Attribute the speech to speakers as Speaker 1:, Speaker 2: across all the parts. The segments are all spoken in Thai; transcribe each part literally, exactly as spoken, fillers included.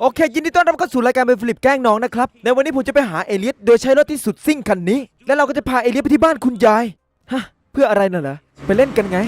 Speaker 1: โอเคยินดีต้อนรับเข้าสู่รายการเป็นฟิลิปแกล้งน้องนะครับในวันนี้ผมจะไปหาเอเลียสโดยใช้รถที่สุดซิ่งคันนี้แล้วเราก็จะพาเอเลียสไปที่บ้านคุณยายฮะเพื่ออะไรน่ะเหรอไปเล่นกันไง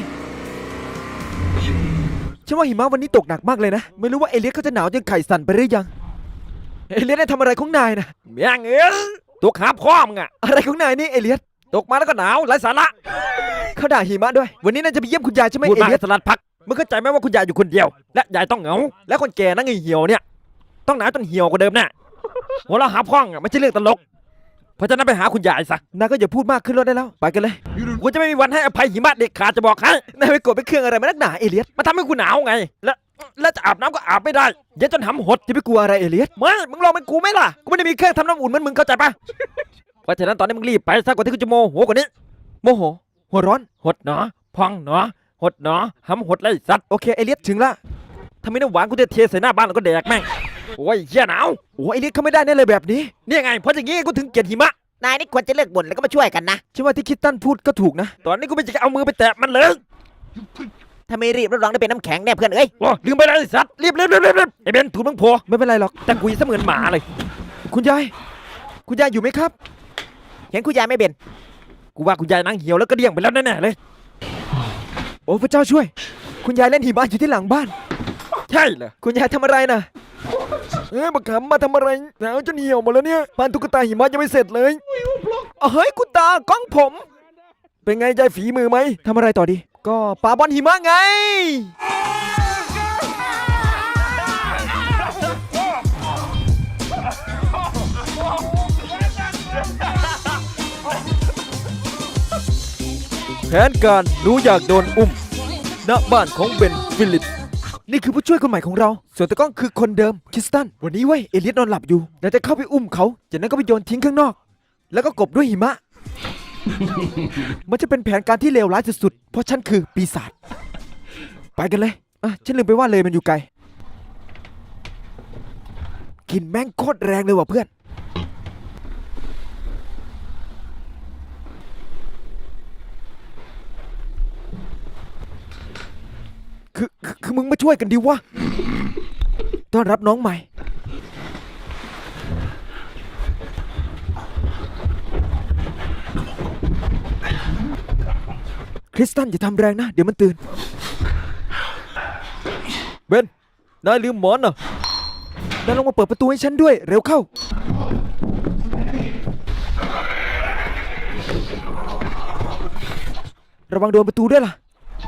Speaker 1: ฉันว่าหิมะวันนี้ตกหนักมากเลยนะไม่รู้ว่าเอเลียสเขาจะหนาวจนไข่สั่นไปหรือยังเอเลียสได้ทำอะไรของนายนะ
Speaker 2: เมียงเอ้ยตกหาพ่อมึงอะ
Speaker 1: อะไรของนายนี่เอเลียส
Speaker 2: ตกมาแล้วก็หนาวไร้สาระ
Speaker 1: เขาด่าหิมะด้วยวันนี้น่าจะไปเยี่ยมคุณยายใช่ไหม
Speaker 2: พูด
Speaker 1: เอ
Speaker 2: มา
Speaker 1: เลียส
Speaker 2: สลัดพักมึงเข้าใจไหมว่าคุณยายอยู่คนเดียวและยายต้องเหงาและคนแก่นั่งเหี่ยวเนี่ยต้องหนาวจนเหี่ยวกว่าเดิมแน่หัวเราะหาพ่องอะไม่ใช่เรื่องตลกเพราะฉะนั้นไปหาคุณยายซะ
Speaker 1: นายก็อย่าพูดมากขึ้นรถได้แล้วไปกันเลย
Speaker 2: กูจะไม่มีวันให้อภัยหิมะเด็กขาดจะบอกให้
Speaker 1: นายไปกดไปเครื่องอะไรมานักหนาเอเลียส
Speaker 2: มันทำให้กูหนาวไงและแล้วจะอาบน้ำก็อาบไม่ได้เย็นจนหำหด
Speaker 1: จะไปกลัวอะไรเอเลียส
Speaker 2: ไม่มึงลองเป็นกูไหมล่ะกูไม่ได้มีเครื่องทำน้ำอุ่นเหมือนมึงเข้าใจปะเพราะฉะนั้นตอนนี้มึงรีบไปซะก่อนที่กูจะโมโหกว่านี้
Speaker 1: โมโหหัวร้อน
Speaker 2: หดหนอพองหนอหดหนอหำหดเลยสัตว์
Speaker 1: โอเคเอเลียสถึงละ
Speaker 2: ถ้าไม่น้ำหวานกูจะเทใส่หน้าบ้านแล้วก็แดกแม่งโอ้ยเหี้ยหนาว
Speaker 1: โอ้เอเลียสเขาไม่ได้แน่เลยแบบนี้
Speaker 2: นี่ไงเพราะอย่างงี้กูถึงเกลียดหิมะ
Speaker 3: นายนี่ควรจะเลิกบ่นแล้วก็มาช่วยกันนะ
Speaker 1: ฉันว่าที่คิดตันพูดก็ถูกนะ
Speaker 2: ตอนนี้กูไม่จะเอามือไปแตะมันเลย
Speaker 3: ถ้าไม่รีบรับรองได้เป็นน้ำแข็งแน่เพื่อนเอ้ย
Speaker 2: โอ้ลืมไปเลยไอ้สัตว์รีบรีบรีบรีบรีบไอ้เบนถูกมึงโผล่
Speaker 1: ไม่เป็นไรหรอก
Speaker 2: แต่กูยังเสมือนหมาเลย
Speaker 1: คุณยายคุณยายอยู่ไหมครับ
Speaker 3: เห็นคุณยายไม่เบน
Speaker 2: กูว่าคุณยายนั่งเหี่ยวแล้วก็เดี่ยงไปแล้วแน่ๆเลย
Speaker 1: โอ้พระเจ้าช่วย คุณยายเล่นหิมะอยู่ที่หลังบ้าน
Speaker 2: ใช่เหรอ
Speaker 1: คุณยายทำอะไรนะเอ้ยบักขำมาทำอะไรหนาวจนเหี่ยวหมดแล้วเนี่ยบ้านตุ๊กตาหิมะยังไม่เสร็จเลยเอาเฮ้ยคุณตากล้องผม เป็นไงยายฝีมือไหมทำอะไรต่อดี ก็ปาบอลหิมะไง แผนการหนูอยากโดนอุ้มณบ้านของเบนฟิลิปนี่คือผู้ช่วยคนใหม่ของเราส่วนตะกล้องคือคนเดิมคริสตันวันนี้เว้ยเอเลียสนอนหลับอยู่เราจะเข้าไปอุ้มเขาจากนั้นก็ไปโยนทิ้งข้างนอก แล้วก็กบด้วยหิมะ มันจะเป็นแผนการที่เลวร้ายสุดๆเพราะฉันคือปีศาจไปกันเลยอ่ะฉันลืมไปว่าเลยมันอยู่ไกลกลินแม่งโคตรแรงเลยว่ะเพื่อนคือคือคือมึงมาช่วยกันดิวะต้อนรับน้องใหม่คริสตันอย่าทำแรงนะเดี๋ยวมันตื่นเบนนายลืมหมอนเหรอนายลงมาเปิดประตูให้ฉันด้วยเร็วเข้าระวังโดนประตูด้วยล่ะ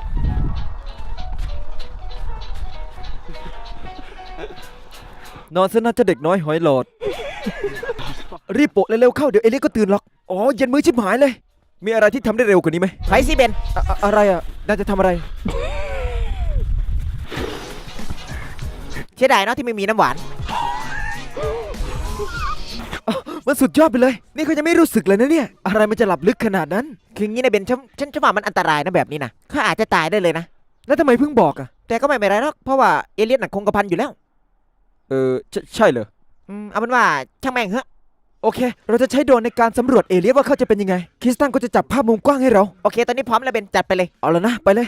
Speaker 1: นอนซะน่าจะเด็กน้อยหอยหลอด รีบโปะเร็วๆเข้าเดี๋ยวเอเลียสก็ตื่นหรอกอ๋อเย็นมื้อชิบหายเลยมีอะไรที่ทำได้เร็วกว่านี้ไหม
Speaker 3: ไปสิเบน
Speaker 1: อะอะอะไรอ่ะน่าจะทำอะไร
Speaker 3: เสียดายเนาะที่ไม่มีน้ำหวาน
Speaker 1: อ๋อมันสุดยอดไปเลยนี่เขาจะไม่รู้สึกเลยนะเนี่ยอะไรมันจะหลับลึกขนาดนั้น
Speaker 3: คืองี้นะเบนฉันฉันฉันว่ามันอันตรายนะแบบนี้นะเขาอาจจะตายได้เลยนะ
Speaker 1: แล้วทำไมเพิ่งบอกอ่ะ
Speaker 3: แต่ก็ไม่เป็นไรหรอกเพราะว่าเอเลียสน่ะคงกระพันอยู่แล้ว
Speaker 1: เออใช่ใช่เหรอ
Speaker 3: อืมเอาเป็นว่าช่างแม่งเหอะ
Speaker 1: โอเค เราจะใช้โดรนในการสำรวจเอเลียสว่าเขาจะเป็นยังไงคริสตันก็จะจับภาพมุมกว้างให้เรา
Speaker 3: โอเคตอนนี้พร้อมแล้วเบนจัดไปเลย
Speaker 1: เอาแล้วนะไปเลย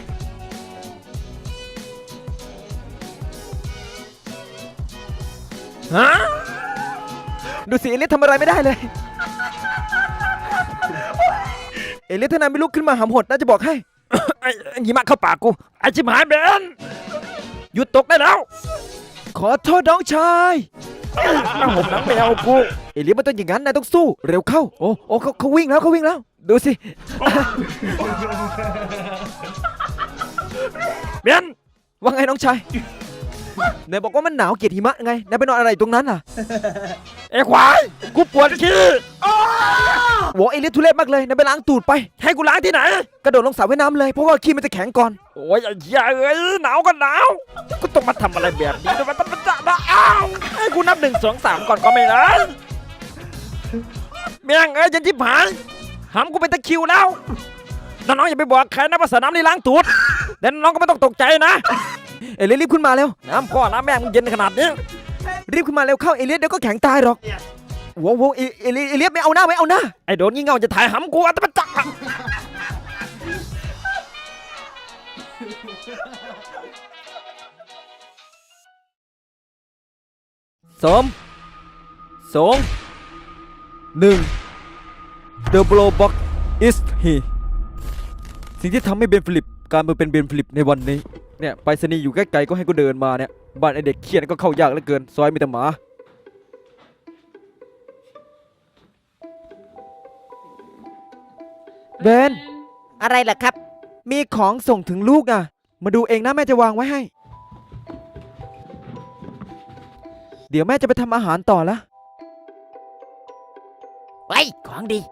Speaker 2: ฮะ
Speaker 1: ดูสิเอเลียสทำอะไรไม่ได้เลย เอเลียสถ้านายไม่ลุกขึ้นมาหำหดน่าจะบอกให้
Speaker 2: ไอ้ไอ้หิมะเข้าปากกูไอ้ชิบหายเบนหยุดตกได้แล้ว
Speaker 1: ขอโทษน้องชาย
Speaker 2: มาห่มหนังแมวกู
Speaker 1: เอเลียสมันต้องอย่างนั้นนายต้องสู้เร็วเข้าโอ้โอ้เขาเขาวิ่งแล้วเขาวิ่งแล้วดูสิ
Speaker 2: เบน
Speaker 1: ว่าไงน้องชายนายบอกว่ามันหนาวเกลียดหิมะไงนายไปนอนอะไรตรงนั้นล่ะ
Speaker 2: ไอ้ควายกูปวดขี้
Speaker 1: โว้เอเลียสทุเรศมากเลยนายไปล้างตูดไป
Speaker 2: ให้กูล้างที่ไหน
Speaker 1: กระโดดลงสระว่ายน้ำเลยเพราะว่าขี้มันจะแข็งก่อน
Speaker 2: โอ้ยไอ้เหี้ยเอ้ยหนาวก็หนาวกูต้องมาทำอะไรแบบนี้ด้วยมันต้องมาจะมาอ้าวให้กูนับหนึ่งสองสามก่อนก็ไม่ได้แม่งเอ้ยยันทิพหายหำกูเป็นตะคริวแล้วน้องๆอย่าไปบอกใครนะว่าสระน้ำนี่ล้างตูดแต่น้องก็ไม่ต้องตกใจนะ
Speaker 1: เอเลียสรีบขึ้นมาเร็ว
Speaker 2: น้ำพ่อน้ำแม่มึงเย็นขนาดนี้
Speaker 1: รีบขึ้นมาเร็วเข้าเอเลียสเดี๋ยวก็แข็งตายหรอกโว้โว้เอเอเลียสเอเลียสไม่เอาหน้าไม่เอาหน้า
Speaker 2: ไอ้โดนงี่เง่าจะถ่ายหำกูอัตมาจัก
Speaker 1: สามสองหนึ่ง The blow box is here สิ่งที่ทำให้เบนฟิลิปกลารมาเป็นเบนฟิลิปในวันนี้เนี่ยไปรษณีย์อยู่ใกล้ๆก็ให้กูเดินมาเนี่ยบ้านไอเด็กเขียนก็เข้ายากเหลือเกินซอยมีแต่หมาเบน
Speaker 3: อะไรล่ะครับ
Speaker 1: มีของส่งถึงลูกอ่ะมาดูเองนะแม่จะวางไว้ให้ เดี๋ยวแม่จะไปทำอาหารต่อละ
Speaker 3: ไว้ยของดี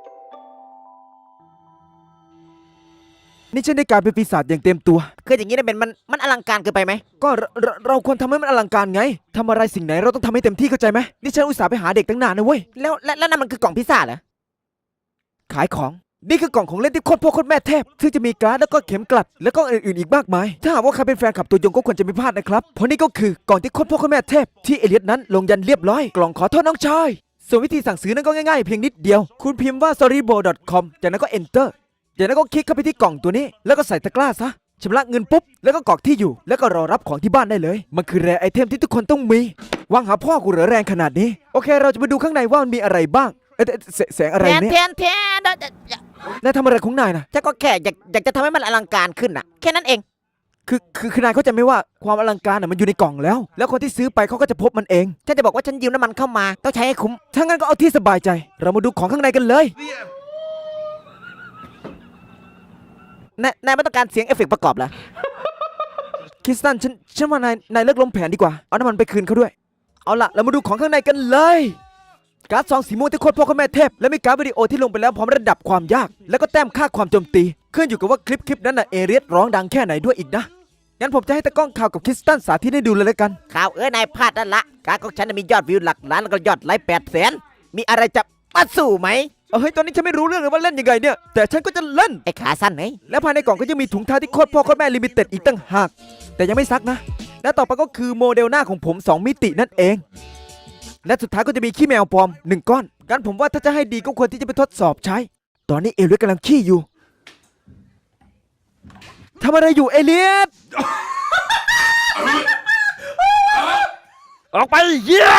Speaker 1: นี่ฉันได้กลายเป็นปีศาจอย่างเต็มตัว
Speaker 3: คืออย่างนี้นะเป็นมันมันอลังการเกินไปไหม
Speaker 1: ก็เราเราเราควรทำให้มันอลังการไงทำอะไรสิ่งไหนเราต้องทำให้เต็มที่เข้าใจไหมนี่ฉันอุตส่าห์ไปหาเด็กตั้งนานนะเว้ย
Speaker 3: แล้วแล้วแล้วนั่นมันคือกล่องพิซซ่าเหรอ
Speaker 1: ขายของ นี่คือกล่องของเล่นที่โคตรพ่อโคตรแม่เทพ ซึ่งจะมีการ์ดแล้วก็เข็มกลัด แล้วก็อื่นๆอีกมากมาย ถ้าหากว่าใครเป็นแฟนคลับตัวยงก็ควรจะไม่พลาดนะครับ เพราะนี่ก็คือกล่องที่โคตรพ่อโคตรแม่เทพ ที่เอเลียสนั้นลงยันเรียบร้อย กล่องขอโทษน้องชาย ส่วนวิธีสั่งซื้อนั้นก็ง่ายๆเพียงนิดเดียว คุณพิมพ์ว่า storybo dot com จากนั้นก็ enter จากนั้นก็คลิกเข้าไปที่กล่องตัวนี้ แล้วก็ใส่ตะกร้าซะชำระเงินปุ๊บ แล้วก็กรอกที่อยู่ แล้วก็รอรับของที่บ้านได้เลย มันคือแรร์ไอเทมที่ทุกคนต้องมีวางหาพ่อกูเหรอแรงขนาดนี้ โอเค เราจะมาดูข้างในว่ามันมีอะไรบ้างเอ๊ะเอ๊ะแสแสงอะไร
Speaker 3: แทน
Speaker 1: เนี่ย
Speaker 3: แทนแทน
Speaker 1: นายทำอะไรของนายนะ
Speaker 3: ฉันก็แค่อยากอยากจะทำให้มันอลังการขึ้นน่ะ แค่นั้นเอง
Speaker 1: คือคือคือนายเข้าใจไหมว่าความอลังการน่ะมันอยู่ในกล่องแล้ว แล้วคนที่ซื้อไปเขาก็จะพบมันเอง
Speaker 3: ฉันจะบอกว่าฉันยืมน้ำมันเข้ามา ต้องใช้ให้คุ้ม
Speaker 1: ถ้างั้นก็เอาที่สบายใจ เรามาดูของข้างในกันเลย
Speaker 3: นายนายไม่ต้องการเสียงเอฟเฟกต์ประกอบเหรอ
Speaker 1: คริสตันฉันฉันว่านายนายเลิกล้มแผนดีกว่า เอาน้ำมันไปคืนเขาด้วย เอาล่ะ เรามาดูของข้างในกันเลย การ์ดซองสีม่วงที่โคตรพ่อโคตรแม่เทพ และมีการ์ดวิดีโอที่ลงไปแล้วพร้อมระดับความยาก แล้วก็แต้มค่าความโจมตี ขึ้นอยู่กับว่าคลิปคลิปนั้นน่ะเอเรียสร้องดังแค่ไหนด้วยอีกนะ งั้นผมจะให้ตะกล้องข่าวกับคริสตันสาธิตให้ดูเลยแล้วกัน
Speaker 3: ข่าวเอ้ยนายพลาดนั่นละ การของฉันนะมียอดวิวหลักล้านแล้วก็ยอดไลค์แปดแสน มีอะไรจะมาสู้ไหม
Speaker 1: เอาเฮ้ยตอนนี้ฉันไม่รู้เรื่องเลยว่าเล่นยังไงเนี่ย แต่ฉันก็จะเล่น
Speaker 3: ไอ้ขาสั้นไหน
Speaker 1: และภายในกล่องก็ยังมีถุงเท้าที่โคตรพ่อโคตรแม่ลิมิเต็ดอีกตั้งหาก แต่ยังไม่ซักนะ และต่อไปก็คือโมเดลหน้าของผมสองมิตินั่นเอง และสุดท้ายก็จะมีขี้แมวปลอมหนึ่งก้อนงั้นผมว่าถ้าจะให้ดีก็ควรที่จะไปทดสอบใช้ ตอนนี้เอเลียสกำลังขี้อยู่ทำอะไรอยู่เอเลียส
Speaker 2: ออกไปเหี้ย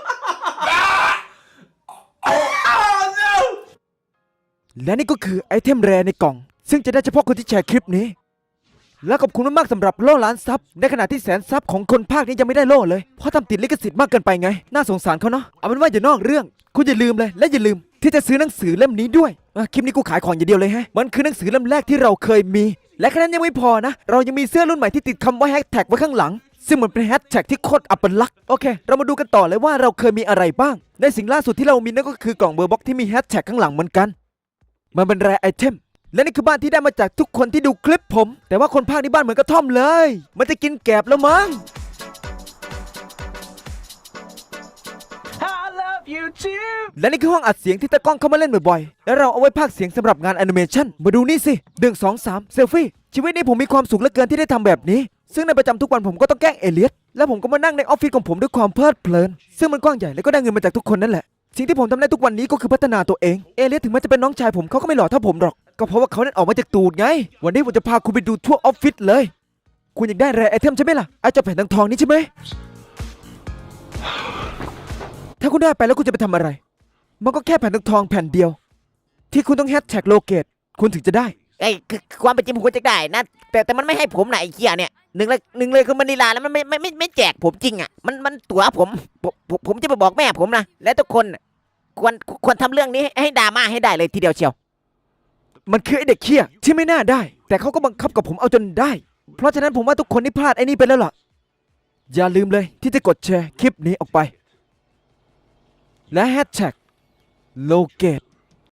Speaker 1: และนี่ก็คือไอเทมแรในกล่อง ซึ่งจะได้เฉพาะคนที่แชร์คลิปนี้ และขอบคุณมากๆสำหรับโล่ล้านซับในขณะที่แสนซับของคนภาคนี้ยังไม่ได้โล่เลย เพราะทำติดลิขสิทธิ์มากเกินไปไง น่าสงสารเขาเนาะ เอาเป็นว่าอย่านอกเรื่อง คุณอย่าลืมเลย และอย่าลืมที่จะซื้อหนังสือเล่มนี้ด้วยอ่ะคลิปนี้กูขายของอย่างเดียวเลยฮะ มันคือหนังสือเล่มแรกที่เราเคยมี และแค่นั้นยังไม่พอนะ เรายังมีเสื้อรุ่นใหม่ที่ติดคำว่าแฮชแท็กไว้ข้างหลัง ซึ่งมันเป็นแฮชแท็กที่โคตรอัปลักษณ์โอเค เรามาดูกันต่อเลยว่าเราเคยมีอะไรบ้าง ในสิ่งล่าสุดที่เรามีนั่นก็คือกล่องเบอร์บ็อกที่มีแฮชแท็กข้างหลังเหมือนกัน มันเป็นแรร์ไอเทม และนี่คือบ้านที่ได้มาจากทุกคนที่ดูคลิปผม แต่ว่าคนภาคนี้บ้านเหมือนกระท่อมเลย มันจะกินแกบแล้วมั้ง
Speaker 4: I love you too.
Speaker 1: และนี่คือห้องอัดเสียงที่ตะกล้องเข้ามาเล่นบ่อยๆ และเราเอาไว้พากย์เสียงสำหรับงานแอนิเมชันมาดูนี่สิหนึ่ง สอง สามเซลฟี่ ชีวิตนี้ผมมีความสุขเหลือเกินที่ได้ทำแบบนี้ ซึ่งในประจำทุกวันผมก็ต้องแกล้งเอเลียส และผมก็มานั่งในออฟฟิศของผมด้วยความเพลิดเพลิน ซึ่งมันกว้างใหญ่และก็ได้เงินมาจากทุกคนนั่นแหละ สิ่งที่ผมทำได้ทุกวันนี้ก็คือพัฒนาตัวเอง เอเลียสถึงแม้จะเป็นน้องชายผมเขาก็ไม่หล่อเท่าผมหรอก ก็เพราะว่าเขานั้นออกมาจากตูดไง วันนี้ผมจะพาคุณไปดูทั่วออฟฟิศเลย คุณอยากได้แรร์ไอเทมใช่ไหมล่ะไอ้เจ้าแผ่นทองๆนี้ใช่ไหม ถ้าคุณได้ไปแล้วคุณจะไปทำอะไร มันก็แค่แผ่นทองๆแผ่นเดียว ที่คุณต้องแฮชแท็กโลเกตคุณถึงจะได้
Speaker 3: ไอ้คือความเป็นจริงผมควรจะได้นะ แต่แต่มันไม่ให้ผมไหนะไอ้เหี้ยเนี่ยหนึ่งเลยหนึ่งเลยคือมันนีลาแล้วมันไม่ไม่ไม่ไม่แจกผมจริงอ่ะมันมันตั๋วผมผมผมผมจะไปบอกแม่ผมนะและทุกคนน่ะควรควรทำเรื่องนี้ให้ให้ดราม่าให้ได้เลยทีเดียวเชียว
Speaker 1: มันคือไอเด็กเขี้ยที่ไม่น่าได้ แต่เขาก็บังคับกับผมเอาจนได้ เพราะฉะนั้นผมว่าทุกคนนี่พลาดไอ้นี่ไปแล้วล่ะ อย่าลืมเลยที่จะกดแชร์คลิปนี้ออกไป และแฮชแท็กโลเกต